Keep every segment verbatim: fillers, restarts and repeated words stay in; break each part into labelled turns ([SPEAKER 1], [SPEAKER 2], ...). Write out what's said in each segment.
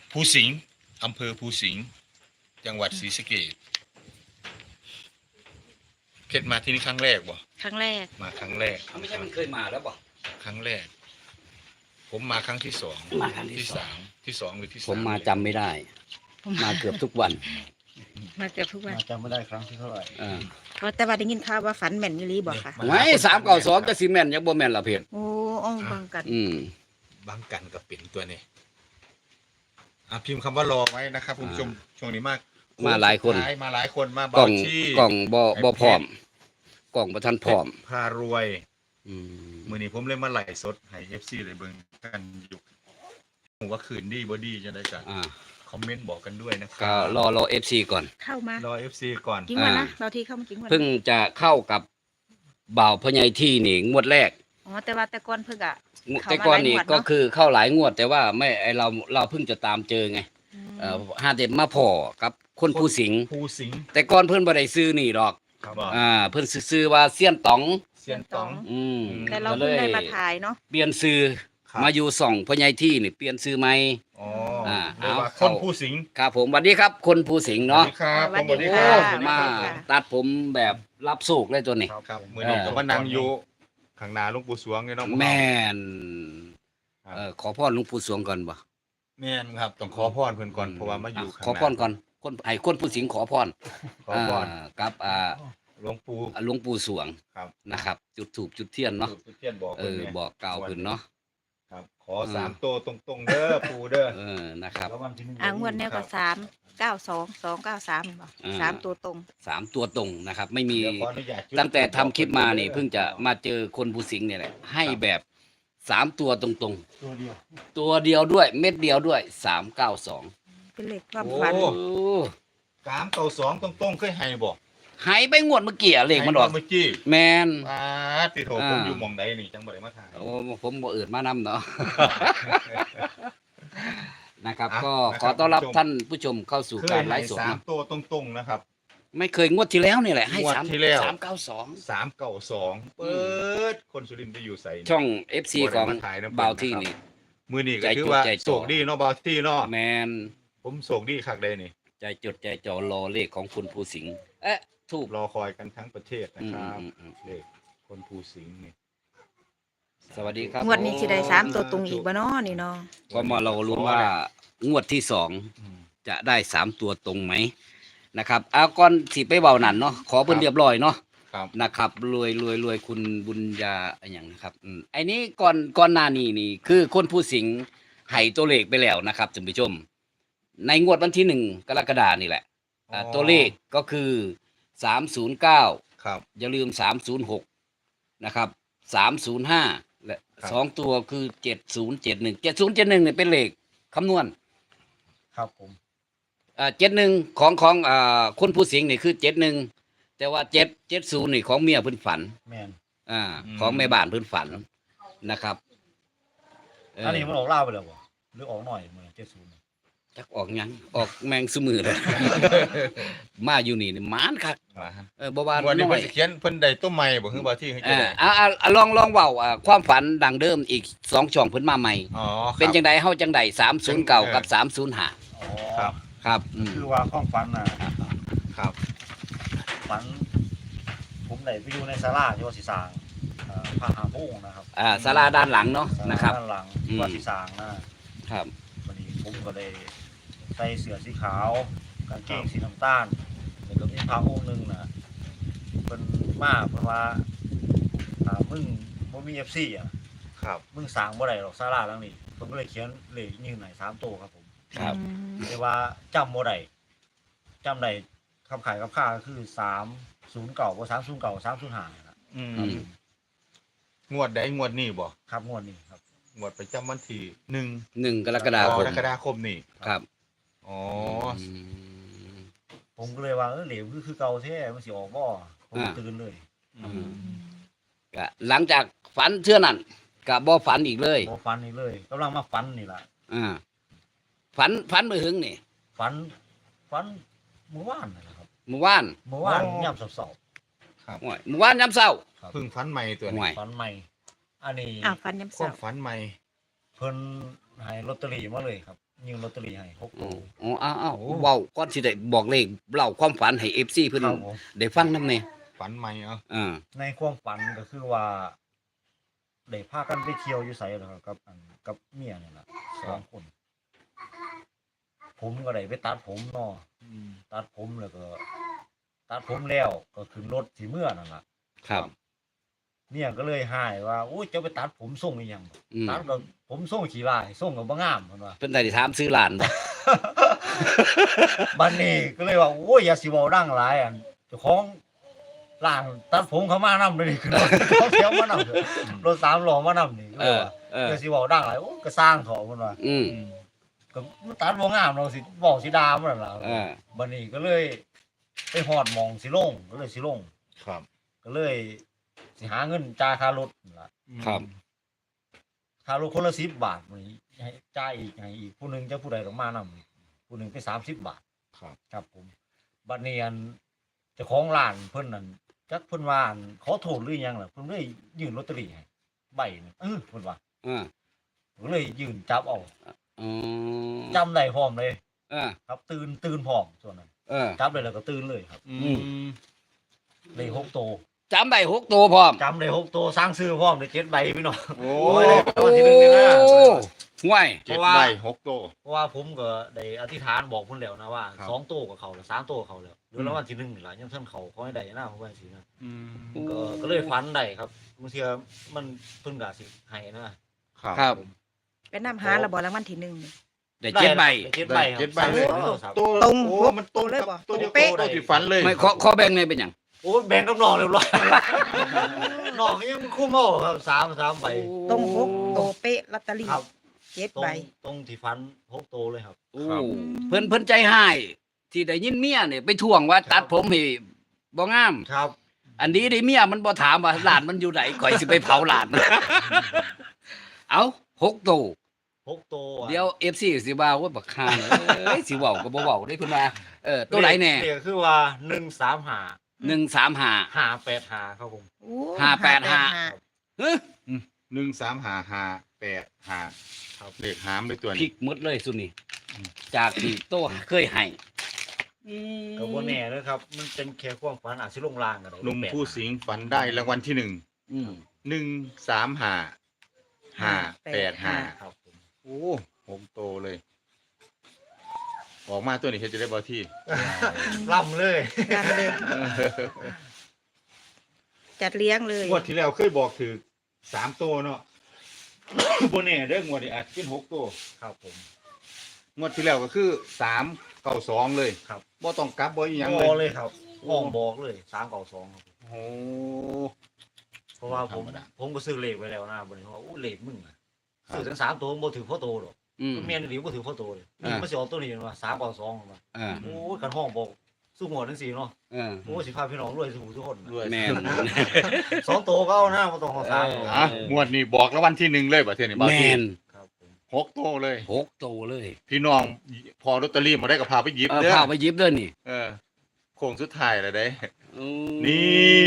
[SPEAKER 1] ภูสิงห์อำเภอภูสิงห์จังหวัดศรีสะเกษเพชรมาที่นี่ครั้งแรกบ่
[SPEAKER 2] ครั้งแรก
[SPEAKER 1] มาครั้งแรก
[SPEAKER 3] ไม่ใช่มันเคยมาแล้วบ่
[SPEAKER 1] ครั้งแรกผมมาครั้งที่สอง
[SPEAKER 3] มาครั้งที่
[SPEAKER 1] สามที่สองหรือที่สาม
[SPEAKER 3] ผมมาจำไม่ได้มาเกือบทุกวัน
[SPEAKER 2] มาเกือบทุกวัน
[SPEAKER 4] จำไม่ได้ครั้งที่เท่าไหร่
[SPEAKER 2] เพราะแต่ว่าได้ยินข่าวว่าฝันแม่นยี่ลีบอกค่ะ
[SPEAKER 3] ไม่สามเก้าสองจะซีเมนยังบ่แม่นละเพจ
[SPEAKER 2] โอ้อ้องบังกัน
[SPEAKER 3] อืม
[SPEAKER 1] บังกันกับเป็นตัวนี้อ่ะพิมพ์คำว่ารอไว้นะครับคุณผู้ชมช่วงนี้มาก
[SPEAKER 3] มาหลายคน
[SPEAKER 1] มาหลายคนมา
[SPEAKER 3] กล่องกล่องบ่บ่พร้อมกล่องประทันพร้อม
[SPEAKER 1] พารวยมือนี้ผมเลยมาไล่สดให้ เอฟ ซี เลยเบิ่งกันอยู่ผมว่าคืนดีบ่ดีจะได้กันคอมเมนต์บอกกันด้วยนะครับ
[SPEAKER 3] ก็รอรอ เอฟ ซี ก่อน
[SPEAKER 2] เข้ามาร
[SPEAKER 1] อ เอฟ ซี ก่อน
[SPEAKER 2] จริงวันนะเราที่เข้ามาจริงวัน
[SPEAKER 3] เพิ่งจะเข้ากับบ่าวพญายที่นี่งวดแรก
[SPEAKER 2] อ๋อแต่ว่าแต่ก่อนเพิ่งอะ
[SPEAKER 3] แต่ก่อนนี่ก็คือเข้าหลายงวดแต่ว่าไม่ไอเราเราเพิ่งจะตามเจอไงเอ่อห้าเด็ดมาพอกับคนภูสิงห์
[SPEAKER 1] ภูสิงห์
[SPEAKER 3] แต่ก่อนเพิ่นบ่ได้ซื้อนี่ดอกอ่าเพิ่นซื้อว่าเซียนต๋อง
[SPEAKER 1] เซียนต๋อง
[SPEAKER 3] อืม
[SPEAKER 2] แต่เราเพิ่งได้มาถ่ายเนาะ
[SPEAKER 3] เปลี่ยนซื้อมาอยู่ส่องพญายที่นี่เปลี่ยนซื้อใหม่
[SPEAKER 1] อ๋ออ่าเอาคนภูสิงห์
[SPEAKER 3] ครับผมสวัสดีครับคนภูสิงห์เนาะ
[SPEAKER 1] ครับ
[SPEAKER 2] สวัสดี
[SPEAKER 3] ค
[SPEAKER 2] รับ
[SPEAKER 3] มาตัดผมแบบรับโศกเลยตัวนี้
[SPEAKER 1] ครับมื้อนี้ก็มานั่งอยู่ข้างหน้าหลวงปู่สวงนี่เนาะ
[SPEAKER 3] แม่นเอ่อขอพรหลวงปู่สวงก่อนบ่
[SPEAKER 1] แม่นครับต้องขอพรเพิ่นก่อนเพราะว่ามาอยู่ข้างหน้า
[SPEAKER 3] ขอพรก่อนคนให้คนภูสิงห์ขอพร
[SPEAKER 1] ขอพร
[SPEAKER 3] กับอ่า
[SPEAKER 1] หลวงปู่
[SPEAKER 3] หลวงปู่สวง
[SPEAKER 1] ครับ
[SPEAKER 3] นะครับจุดธูปจุดเทียนเนาะ
[SPEAKER 1] จุดเทียนบอก
[SPEAKER 3] เออบอกกล่าวเพิ่นเนาะ
[SPEAKER 1] ครับขอสามตัวตรงๆเด้อปู่เด้อ
[SPEAKER 3] เออนะครับ
[SPEAKER 2] อ่างวดแนวก็สามเก้าสองสองเก้าสามบ่สามตัวตรง
[SPEAKER 3] สามตัวตรงนะครับไม่มีตั้งแต่ทำคลิปมานี่เพิ่งจะมาเจอคนภูสิงห์เนี่ยแหละให้แบบสามตัวตรงๆ
[SPEAKER 4] ตัวเดียว
[SPEAKER 3] ตัวเดียวด้วยเม็ดเดียวด้วยสามเก้าสอง
[SPEAKER 2] เป็นเลขความฝัน
[SPEAKER 1] สามเก้าสองตรงๆเคยให้บ่
[SPEAKER 3] หายไปงวดเมื่อกี้เลขมันออก
[SPEAKER 1] เมื่อกี้
[SPEAKER 3] แมน
[SPEAKER 1] อ่าติโถผมอยู่หม่องใดนี่จังบ่ได้มาถ่าย
[SPEAKER 3] โอ้ผมบ่อื่นมานำเนาะนะครับก็ขอต้อนรับท่านผู้ชมเข้าสู่การไลฟ์สด
[SPEAKER 1] สามตัวตรงๆนะครับ
[SPEAKER 3] ไม่เคยงวดที่แล้วนี่แหละให้สาม
[SPEAKER 1] ที่แล้ว
[SPEAKER 3] สามเก้าสอง
[SPEAKER 1] สามเก้าสองเปิดคนสุรินทร์ไปอยู่ใส่
[SPEAKER 3] ช่อง เอฟ ซี ของบ่าวที่นี่
[SPEAKER 1] มือนี่ก็คือว่าโศกดีเนาะบ่าวที่เนาะ
[SPEAKER 3] แมน
[SPEAKER 1] ผมโศกดีคักใดนี่
[SPEAKER 3] ใจจดใจจ่อรอเลขของคุณภูสิงห์เอ๊ะถูก
[SPEAKER 1] รอคอยกันทั้งประเทศนะครับเลขคนภูสิงห์นี่
[SPEAKER 3] สวัสดีครับ
[SPEAKER 2] งวดนี้สิได้สามตัวตรงอีกบ่เนาะนี่เนาะ
[SPEAKER 3] ก็มาเราลุ้นว่างวดที่สองจะได้สามตัวตรงไหมนะครับเอาก่อนสิไปเบาหนันเนาะขอเพิ่นเรียบร้อยเนาะนะครับรวยรวยรวยคุณบุญญาอย่างนะครับไอ้นี้ก่อนก่อนหน้านี้นี่คือคนภูสิงห์ให้ตัวเลขไปแล้วนะครับท่านผู้ชมในงวดวันที่หนึ่งกรกฎาคมนี่แหละตัวเลขก็คือสามศูนย์เก้า
[SPEAKER 1] ครับ
[SPEAKER 3] อย่าลืมสามศูนย์หกนะครับสามศูนย์ห้าและสองตัวคือเจ็ดศูนย์เจ็ดหนึ่งเจ็ดศูนย์เจ็ดหนึ่งเนี่ยเป็นเลขคำนวณ
[SPEAKER 4] ครับผม
[SPEAKER 3] อ่าเจ็ดหนึ่งของของอ่าคนผู้สิงห์นี่คือเจ็ดหนึ่งแต่ว่าเจ็ดเจ็ดศูนย์นี่ของเมียเพิ่นฝัน
[SPEAKER 4] แม่น
[SPEAKER 3] อ่าของแม่บ้านเพิ่นฝันนะครับ
[SPEAKER 4] อันนี้มันออกเล่าไปแล้วบ่หรือออกหน่อยเหมือนเจ็ดศูนย์
[SPEAKER 3] จักออกยังออกแมงสมือเลยมาอยู่นี่นี่มานคักเออบ่ว่า
[SPEAKER 1] วันนี้เพิ่นสิเขียนเพิ่นได้ต้นใหม่บ่คือบ่ที่ให้จังได๋
[SPEAKER 3] อ่าอ่าลองลองเว้าอ่าความฝันดังเดิมอีกสองช่องเพิ่นมาใหม่
[SPEAKER 1] อ๋อ
[SPEAKER 3] เป็นจังได๋เฮาจังได๋สามศูนย์เก้ากับสามศูนย์ห้า
[SPEAKER 4] อ๋อครับ
[SPEAKER 3] ครับ
[SPEAKER 4] คือว่าความฝันน่ะ
[SPEAKER 1] ครับ
[SPEAKER 4] ฝันผมได้ไปอยู่ในศาลาที่ว่าสิสร้างเอ่อพระหาโมงนะครับ
[SPEAKER 3] อ่าศาลาด้านหลังเนาะนะครับ
[SPEAKER 4] ด้านหลังว่าสิสร้างนะครับวันนี้ผมก็ได้ใส่เสื้อสีขาวกางเกงสีน้ำตาลแล้วก็มีพระองค์นึงน่ะเพิ่นมาเพิ่นว่าอ่ามึงบ่มี เอฟ ซี อ่ะ
[SPEAKER 1] ครับ
[SPEAKER 4] มึงสร้างบ่ได้หรอกศาลาหลังนี้ผมก็เลยเขียนเลขยืนให้สามตัวครับผม
[SPEAKER 3] ครับ
[SPEAKER 4] แต่ว่าจำบ่ได้จำได้คำขายกับค่าก็คือสามศูนย์เก้าบ่สามศูนย์เก้า สามศูนย์ห้าครับ
[SPEAKER 1] อืมงวดใดงวดนี้บ่
[SPEAKER 4] ครับงวดนี้ครับ
[SPEAKER 1] งวดประจำวันที่หนึ่ง
[SPEAKER 3] หนึ่งกรกฎาคม
[SPEAKER 1] กรกฎาคมนี่
[SPEAKER 3] ครับ
[SPEAKER 1] อ๋อ
[SPEAKER 4] ผมก็เลยว่าเออเหลวคือคือเก่าแท้มันสิออกบ่ผมตื่นเลย
[SPEAKER 3] ก็หลังจากฝันเชื่อนั่นก็บ่ฝันอีกเลย
[SPEAKER 4] บ่ฝันอีกเลยกำลังมาฝันนี่ล่ะ
[SPEAKER 3] อ่าฝันฝันมื้อหึงนี่
[SPEAKER 4] ฝันฝันเมื่อวานนั่นแหละครับ
[SPEAKER 3] เมื่อวาน
[SPEAKER 4] เมื่อวานยามเช้า
[SPEAKER 3] ๆครับเมื่อวานยามเช้า
[SPEAKER 1] เพิ่งฝันใหม่ตัวนี้
[SPEAKER 4] ฝันใหม่อันนี้
[SPEAKER 2] อ้าวฝันยามเช้า
[SPEAKER 1] ฝันใหม่
[SPEAKER 4] เพิ่นให้ลอตเตอรี่มาเลยครับยิงลอตเตอรี่ให้หก
[SPEAKER 3] อ๋
[SPEAKER 4] ตั
[SPEAKER 3] อ
[SPEAKER 4] ว
[SPEAKER 3] อ๋ออ้าวอ้าวเว้าก่อนสิได้บอกเลขเล่าความฝันให้ เอฟ ซี เพิ่น
[SPEAKER 4] ครับผม
[SPEAKER 3] ได้ฟังนำแน่
[SPEAKER 1] ฝันใหม่เอา
[SPEAKER 3] อ่า
[SPEAKER 4] ในความฝันก็คือว่าได้พากันไปเที่ยวอยู่ไสเหรอครับกับอันกับเมียนี่ล่ะสองคน ผมก็ได้ไปตัดผมเนาะตัดผมแล้วก็ ตัดผมแล้วก็ขึ้นรถสิเมื่อนั่นล่ะ
[SPEAKER 3] ครับ
[SPEAKER 4] เมียก็เลยหายว่าโอ้ยจะไปตัดผมทรงอีหยัง
[SPEAKER 3] อืม
[SPEAKER 4] ตัดก็ผมทรงขี้ลายทรงก็บ่งามเพิ่นว่า
[SPEAKER 3] เพิ่นได้ถามซื้อหลานบ่
[SPEAKER 4] บัดนี้ก็เลยว่าโอ้ยอย่าสิเว้าดังหลายอันเจ้าของร้านตัดผมเขามานำเลยนี่คือรถเขาเที่ยวมานำรถสามล้อมานำนี่ก็
[SPEAKER 3] เอ
[SPEAKER 4] เลย
[SPEAKER 3] อ
[SPEAKER 4] ว่า
[SPEAKER 3] เออ
[SPEAKER 4] อย่าสิเว้าดังหลายโอ้ก็สร้างเขาเพิ่นว่า
[SPEAKER 3] อืม
[SPEAKER 4] ก็มันตัดบ่งามเราสิเว้าสิด่ามันนั่นล่ะ
[SPEAKER 3] เออ
[SPEAKER 4] บัดนี้ก็เลยไปฮอดหมองสิลงก็เลยสิลง
[SPEAKER 1] ครับ
[SPEAKER 4] ก็เลยสิหาเงินจ่ายค่ารถนั่นล่ะ
[SPEAKER 3] ครับ
[SPEAKER 4] ค่ารถคนละสิบบาทมื้อนี้ให้จ่ายอีกให้อีกผู้หนึงจะผู้ใดต้องมานำผู้หนึงไปสามสิบบาท
[SPEAKER 1] ครับ
[SPEAKER 4] ครับผมบัดนี้อันเจ้าของร้านเพิ่นนั่นจักเพิ่นว่าอันขอโทษหรือหยังล่ะเพิ่นเลยยื่นลอตเตอรี่ให้ใบหนึงเออเพิ่นว่า
[SPEAKER 3] อ่า
[SPEAKER 4] ก็เลยยื่นจับเอา
[SPEAKER 3] อ๋อ
[SPEAKER 4] จำได้พร้อมเลย
[SPEAKER 3] อ่า
[SPEAKER 4] ครับ ตื่นตื่นพร้อมส่วนนั้น
[SPEAKER 3] เออ
[SPEAKER 4] จับได้แล้วก็ตื่นเลยครับ
[SPEAKER 1] อืม
[SPEAKER 4] ได้หกโตว
[SPEAKER 3] จำได้หกตัวพร้อม
[SPEAKER 4] จำได้หกโตวสร้างซื้อพร้อมได้เจ็ดใบพี่น้อง
[SPEAKER 1] โอ้
[SPEAKER 4] โอ้ยได้รางวัลที่หนึ่งเลยนะ
[SPEAKER 3] ห่วย
[SPEAKER 1] เจ็ดใบหกโต
[SPEAKER 4] เพราะว่าผมก็ได้อธิษฐานบอกเพิ่นแล้วนะว่า
[SPEAKER 1] ครับ
[SPEAKER 4] สองโตวกับเขาแล้วสามโตวกับเขาแล้วหรือรางวัลที่หนึ่งนี่ล่ะยังท่านเขาขอให้ได้นะผมว่าสินะ
[SPEAKER 1] อืม
[SPEAKER 4] ก็ก็เลยฝันได้ครับบางเทีมันเพิ่นก็สิให้นะ
[SPEAKER 1] ครับ
[SPEAKER 3] ครับ
[SPEAKER 2] ไปนำหาระบ่รางวัลที่หนึ่งนี่
[SPEAKER 3] ได้เจ็ดใบ
[SPEAKER 4] ได้เจ็ดใบครับ
[SPEAKER 1] เจ็ดใบ
[SPEAKER 4] สาม
[SPEAKER 1] เลย
[SPEAKER 4] โตวครับ
[SPEAKER 1] ตัว
[SPEAKER 2] ตรง
[SPEAKER 1] โอ้มันตรง
[SPEAKER 2] เลย
[SPEAKER 1] กับ
[SPEAKER 2] บ่
[SPEAKER 1] ตัวเดียว
[SPEAKER 2] เป๊ะ
[SPEAKER 1] ตัวที่ฝันเลย
[SPEAKER 3] ไม่ขอขอแบ่งในเป็นหยัง
[SPEAKER 4] โอ้ยแบ่งกับน้องเรียบร้อยน้องยังคู่เมาครับสามสามใบ
[SPEAKER 2] ตรงหกโตเป๊ะลอตเตอรี่
[SPEAKER 4] ครับ
[SPEAKER 2] เจ็ด
[SPEAKER 4] ตร
[SPEAKER 2] ใบ
[SPEAKER 4] งตรงที่ฟันหกโตวเลยครับ
[SPEAKER 3] โอ้เพิ่นเพิ่นใจหายที่ได้ยินเมียเนี่ยไปทวงว่าตัดผมให้บ่งาม
[SPEAKER 4] ครับ
[SPEAKER 3] อันนี้ได้เมียมันบ่ถามว่าหลานมันอยู่ไหนข่อยสิไปเผาหลาน เอาหกตัว
[SPEAKER 4] หกโตวอะ
[SPEAKER 3] เดี๋ยว เอฟ ซี สิว่าว่าบักคานเอ้ยสิเว้าก็บ่เว้าได้เพิ่นว่าเออตัวไหนแน่
[SPEAKER 4] เลขคือว่าหนึ่งสามห้า
[SPEAKER 3] หนึ่งสามห้า
[SPEAKER 4] ห้าแปดห้าครับผม
[SPEAKER 2] โอ้
[SPEAKER 3] ห้าแปดห้า เฮ้ย
[SPEAKER 1] หนึ่งสามห้าห้าแปดห้า
[SPEAKER 4] ครับ
[SPEAKER 1] เลขหามเลยตัว
[SPEAKER 3] พลิ
[SPEAKER 1] นี้
[SPEAKER 3] กหมดเลยสุดนี่จากที่โตเคยให้อืม
[SPEAKER 4] ก็บ่แน่เลยครับ มันเป็นแค่ความฝันอาจสิลงลางก็ได้
[SPEAKER 1] หนุ่มผู้สิงฝันได้รางวัลที่หนึ่ง
[SPEAKER 3] อืม
[SPEAKER 1] หนึ่งสามห้าห้าแปดห้า
[SPEAKER 4] ครับผม
[SPEAKER 1] โอ้หกโตเลย ออกมาตัวนี้เฮ็ดจะได้บ่ที่
[SPEAKER 4] ล่ำเลย
[SPEAKER 2] กันเลย จัดเลี้ยงเลย
[SPEAKER 1] งวดที่แล้วเคยบอกถือสามโตเนาะ โบแน่เด้องวดนี้อาจเป็นหกโต
[SPEAKER 4] ครับผม
[SPEAKER 1] งวดที่แล้วก็คือสามเก้าสองเลย
[SPEAKER 4] ครับ
[SPEAKER 1] บ่ต้องกลับบ่อีหยัง
[SPEAKER 4] บ
[SPEAKER 1] เล
[SPEAKER 4] อย เลยครับห้องบอกเลยสามเก่าสองครับ
[SPEAKER 1] โอ้
[SPEAKER 4] เพราะว่าผม
[SPEAKER 1] ธรรมดา
[SPEAKER 4] ผมก็ซื้อเลขไว้แล้วนะบนนี้ว่าอู้เลขมึงอะ
[SPEAKER 1] ครับ
[SPEAKER 4] ซื้อทั้งสามตัวบ่ถือพ่อโตหรอก
[SPEAKER 3] อืม
[SPEAKER 4] เมียนหรือบ่ถือพ่อโตเลย
[SPEAKER 3] อ่า
[SPEAKER 4] มันสิออกตัวนี้มาสามเก่าสองมา
[SPEAKER 3] อ่า
[SPEAKER 4] โอ้ยกันห้องบอกสู้หมดทั้งสี่เนาะ
[SPEAKER 3] อ่า
[SPEAKER 4] โอ้ยสิพาพี่น้องรวยสู่ทุกคน
[SPEAKER 1] ด้วย
[SPEAKER 3] แม่น
[SPEAKER 4] สองตัวก็เอานะบ่ต้องเอาสาม
[SPEAKER 3] เออ
[SPEAKER 1] อ่ะงวดนี้บอกรางวัลที่หนึ่งเลยบ่เท่านี้บ่
[SPEAKER 3] แม่
[SPEAKER 1] ที่
[SPEAKER 3] น
[SPEAKER 4] ครับผม
[SPEAKER 1] หกโตเลย
[SPEAKER 3] หกโตเลย
[SPEAKER 1] พี่น้องพอลอตเตอรี่มาได้ก็พาไปหยิบ
[SPEAKER 3] เออ
[SPEAKER 1] เด้อ
[SPEAKER 3] พาไปหยิบเด้อนี่
[SPEAKER 1] เออโค้งสุดท้ายแล้วเด้
[SPEAKER 3] อืม
[SPEAKER 1] นี่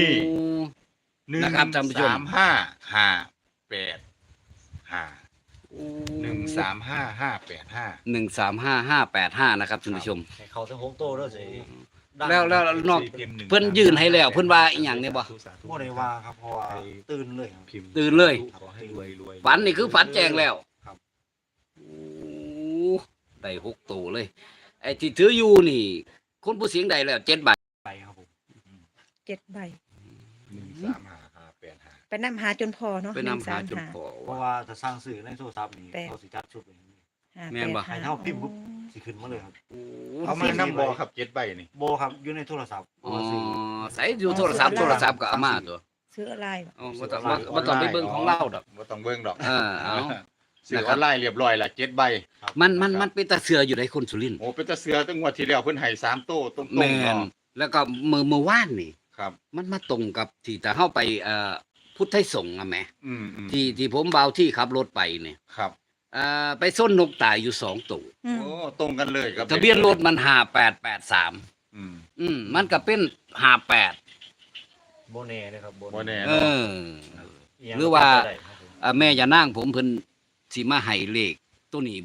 [SPEAKER 1] หนึ่ง
[SPEAKER 3] นะครับท่านผู้ชม
[SPEAKER 1] สามห้าห้าแปดห้าหนึ่งสามห้าห้าแปดห้า
[SPEAKER 3] หนึ่งสามห้าห้าแปดห้านะครับท่านผู้ชม
[SPEAKER 4] ให้เขาทั้งหกตัวเด้อสิดัง
[SPEAKER 3] แล้วแล้วนอก เพิ่นยื่นให้แล้วเพิ่นว่าอีหยังเนี่ยบ่
[SPEAKER 4] บ่ได้ว่าครับเพราะว่าตื่นเลยครับ
[SPEAKER 1] พิมพ์
[SPEAKER 3] ตื่นเลย
[SPEAKER 1] ขอให้รวยรวย
[SPEAKER 3] ฝันนี่คือฝันแจงแล้ว
[SPEAKER 4] ครับ
[SPEAKER 3] โอ้ได้หกตัวเลย ไอ้ที่ถืออยู่นี่คนผู้เสียงใดแล้วเจ็ดใบ
[SPEAKER 4] ไปครับผม
[SPEAKER 2] เจ็ดใบ
[SPEAKER 1] หนึ่งสามห้าห้าแปดห้า
[SPEAKER 2] ไปนำหาจนพอเนาะ
[SPEAKER 3] ไปนำหาจน
[SPEAKER 2] นึ่ง
[SPEAKER 3] พอ
[SPEAKER 4] เพราะว่าถ้าสร้างสื่อในโทรศัพท์นี่
[SPEAKER 2] แปด
[SPEAKER 4] เขาสิจัดชุดไว้
[SPEAKER 2] ห้า
[SPEAKER 3] แม่นบ่
[SPEAKER 2] แปดห้า
[SPEAKER 4] ให้เท่าพิมพ์ปุ๊บ สิขึ้นมาเลยครับ
[SPEAKER 1] เอามาน้ำบอครับเจ็ดใบนี่
[SPEAKER 4] โบครับอยู่ในโทรศัพท์
[SPEAKER 3] อ๋อใส่อยู่โทรศัพท์โทรศัพท์ก็เอามาตัว
[SPEAKER 2] ซื้ออะไรวะ
[SPEAKER 3] อ๋อบ่ต้องบ่บ่ต้องไปเบิ่งของเราดอก
[SPEAKER 1] บ่ต้องเบิ่งดอก
[SPEAKER 3] เออเอา
[SPEAKER 1] ซื้อออนไลน์เรียบร้อยละเจ็ดใบ
[SPEAKER 3] มันมันมันเป็นตาเสืออยู่ในคนสุรินทร์
[SPEAKER 1] โอ้เป็นตาเสือตั้งงวดที่แล้วเพิ่นให้สามโต้ตรงๆ
[SPEAKER 3] แม่น
[SPEAKER 1] เนาะ
[SPEAKER 3] แล้วก็มือมือว่านนี่
[SPEAKER 1] ครับ
[SPEAKER 3] มันมาตรงกับที่จะเข้าไปเอ่อพุทธไทยสงฆ์อะแหม
[SPEAKER 1] อืมอืม
[SPEAKER 3] ที่ที่ผมเบาที่ขับรถไปเนี่ย
[SPEAKER 1] ครับ
[SPEAKER 3] เอ่อไปส้นนกตายอยู่สองตัว
[SPEAKER 2] อืม
[SPEAKER 1] โอ้ตรงกันเลยครับ
[SPEAKER 3] ทะเบียนรถมันห้าแปดแปดสาม
[SPEAKER 1] อืม
[SPEAKER 3] อืมมันก็เป็นห้าแปด
[SPEAKER 4] โบเน่เลยครับโบ
[SPEAKER 1] บ่แน่
[SPEAKER 3] เอ
[SPEAKER 1] เนาะ
[SPEAKER 3] อ หรือว่า
[SPEAKER 4] ได้ครับผม
[SPEAKER 3] อ่าแม่อย่านั่งผมเพิ่นสิมาให้เลขตัวนี้บ่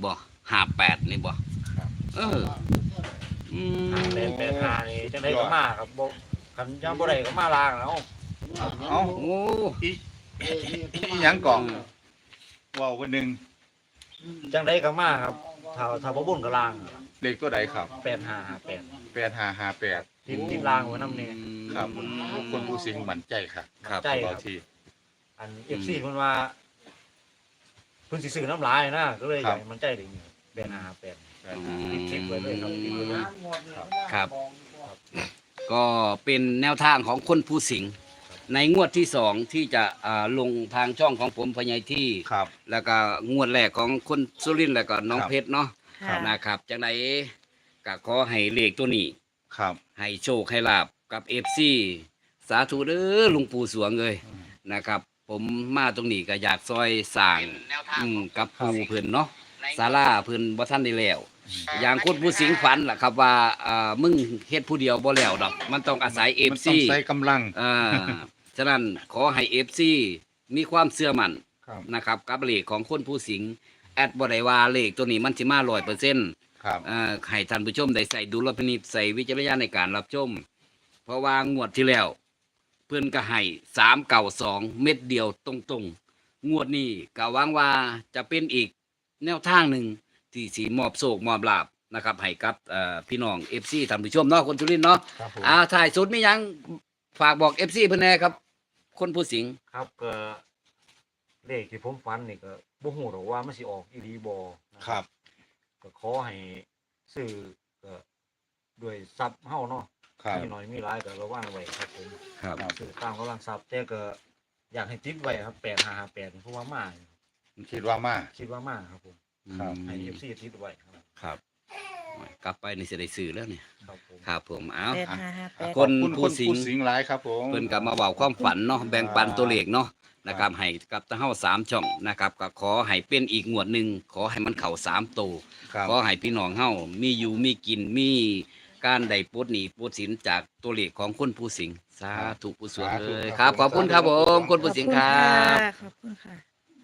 [SPEAKER 3] ห้าแปดนี่บ่
[SPEAKER 1] ครับ
[SPEAKER 3] เอออืม
[SPEAKER 4] ห้าแปดแปดห้านี่จังได๋ก็มาครับบ่คันยังบ่ได้ก็มาลางแล้ว
[SPEAKER 1] เอ้า
[SPEAKER 3] โอ้
[SPEAKER 1] อีอีหยังก่อนเว้าวันหนึง
[SPEAKER 4] จังไดก็มาครับถ้าถ้าบ่บุญก็ลาง
[SPEAKER 1] เลขตัวใดครับ
[SPEAKER 4] แปดห้าห้าแปด
[SPEAKER 1] แปดห้าห้าแปด
[SPEAKER 4] ติดติดลางไว้นำนี่
[SPEAKER 1] ครับคนผู้สิงมั่นใจครับ
[SPEAKER 3] ครับ
[SPEAKER 4] ใจ
[SPEAKER 1] บ
[SPEAKER 4] ค
[SPEAKER 1] อ
[SPEAKER 4] รับ
[SPEAKER 1] กที
[SPEAKER 4] อัน เอฟ ซี เพิ่นว่าเพิ่นสิซื้อน้ำลายนะก็เลยอยากให้มันใจได้นี่แปดห้าห้าแปด
[SPEAKER 3] อืม
[SPEAKER 4] ติดคลิปไว้เลยครับติดไว้เลย
[SPEAKER 3] ครับ ก็เป็นแนวทางของคนผู้สิงห์ในงวดที่สองที่จะอ่าลงทางช่องของผมพญายที่
[SPEAKER 1] ครับ
[SPEAKER 3] แล้วก็งวดแรกของคนสุรินทร์แล้วก็น้อง
[SPEAKER 1] ครับ
[SPEAKER 3] เพชรเนาะ
[SPEAKER 2] ค่ะ
[SPEAKER 3] นะครับจังไดก็ขอให้เลขตัวนี้
[SPEAKER 1] ครับ
[SPEAKER 3] ให้โชคให้ลาบกับเอฟซีสาธุเด้อหลุงปู่สวงเลยนะครับ ผมมาตรงนี้ก็อยากซอยสร้างอืมกับปู่เพิ่นเนาะศาลาเพิ่นบ่ทันได้แล้ว อย่างคนผู้สิงฝันล่ะครับว่าอ่ามึงเฮ็ดผู้เดียวบ่แล้วดอก มันต้องอาศัย
[SPEAKER 1] มัน
[SPEAKER 3] เอฟ
[SPEAKER 1] ต้อ
[SPEAKER 3] ซี
[SPEAKER 1] งใช้กำลัง
[SPEAKER 3] อ่าฉะนั้นขอให้ เอฟ ซี มีความเชื่อมั่น
[SPEAKER 1] ครับ
[SPEAKER 3] นะครับกับเลขของคนผู้สิงแอดบ่ได้ว่าเลขตัวนี้มันสิมา ร้อยเปอร์เซ็นต์
[SPEAKER 1] ครับ
[SPEAKER 3] อ่าให้ท่านผู้ชมได้ใส่ดุลพินิจใส่วิจารณญาณในการรับชม เพราะว่างวดที่แล้ว เพื่อนก็ให้สามเก่าสองเม็ดเดียวตรงๆ งวดนี้ก็หวังว่าจะเป็นอีกแนวทางหนึ่งที่สีมอบโศกมอบลาบนะครับให้กับเอ่อพี่น้องเอฟซีท่านผู้ชมเนาะคนสุรินทร์เนาะ
[SPEAKER 4] ครับผม
[SPEAKER 3] อ่าถ่ายสุดมีหยังฝากบอกเอฟซีเพื่อนแน่ครับ คนผู้สิง
[SPEAKER 4] ครับก็เลขที่ผมฝันนี่ก็บ่ฮู้หรอกว่ามันสิออกอีหลีบ่นะครับ ก็ขอให้ซื้อก็ด้วยทรัพย์เฮาเนาะ
[SPEAKER 1] ครับ
[SPEAKER 4] มีน้อยมีหลายก็ระวังไว้ครับผม
[SPEAKER 3] ครับ
[SPEAKER 4] ซื้อตามกำลังทรัพย์แต่ก็อยากให้ติดไว้ครับแปดห้าห้าแปดเพราะว่ามา
[SPEAKER 1] คิดว่ามา
[SPEAKER 4] คิดว่ามาครับผม
[SPEAKER 1] ครับ
[SPEAKER 4] ให้ เอฟ ซี ติดไว้ครับ
[SPEAKER 3] ครับกลับไปนี่จะได้ซื้อแล้วเนี่ย
[SPEAKER 4] ครับผม
[SPEAKER 3] ครับผมเอา
[SPEAKER 2] แปดห้าห้าแปด
[SPEAKER 3] คน
[SPEAKER 1] ขอบคุณ
[SPEAKER 3] ผู้
[SPEAKER 1] คน
[SPEAKER 3] สิง
[SPEAKER 1] ผู้สิงหลายครับผม
[SPEAKER 3] เพิ่นกลับมาเว้าความฝันเนาะแบ่งปันตัวเลขเนาะนะครับให้กับตะเฮาสามช่องนะครับก็ขอให้เป็นอีกงวดหนึ่งขอให้มันเข้าสามโตว
[SPEAKER 1] ครับ
[SPEAKER 3] ขอให้พี่น้องเฮามีอยู่มีกินมีการได้ปลดหนี้ปลดสินจากตัวเลขของคนผู้สิงสาธุผู้สวงเลยครับ ขอบคุณครับผมคนผู้สิงครับ
[SPEAKER 2] ขอบคุณค่ะ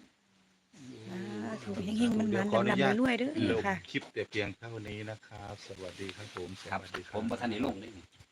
[SPEAKER 2] ถูกเฮงๆมันมันดำๆรวยๆเด้อ
[SPEAKER 1] เดี๋ยว
[SPEAKER 2] ค่ะ
[SPEAKER 1] คลิปแต่เพียงเท่านี้นะครับ สวัสดีครับผม ส
[SPEAKER 3] ครับ
[SPEAKER 1] วัสดีค
[SPEAKER 3] ผ
[SPEAKER 1] รับ
[SPEAKER 3] มประธานนิลงนี่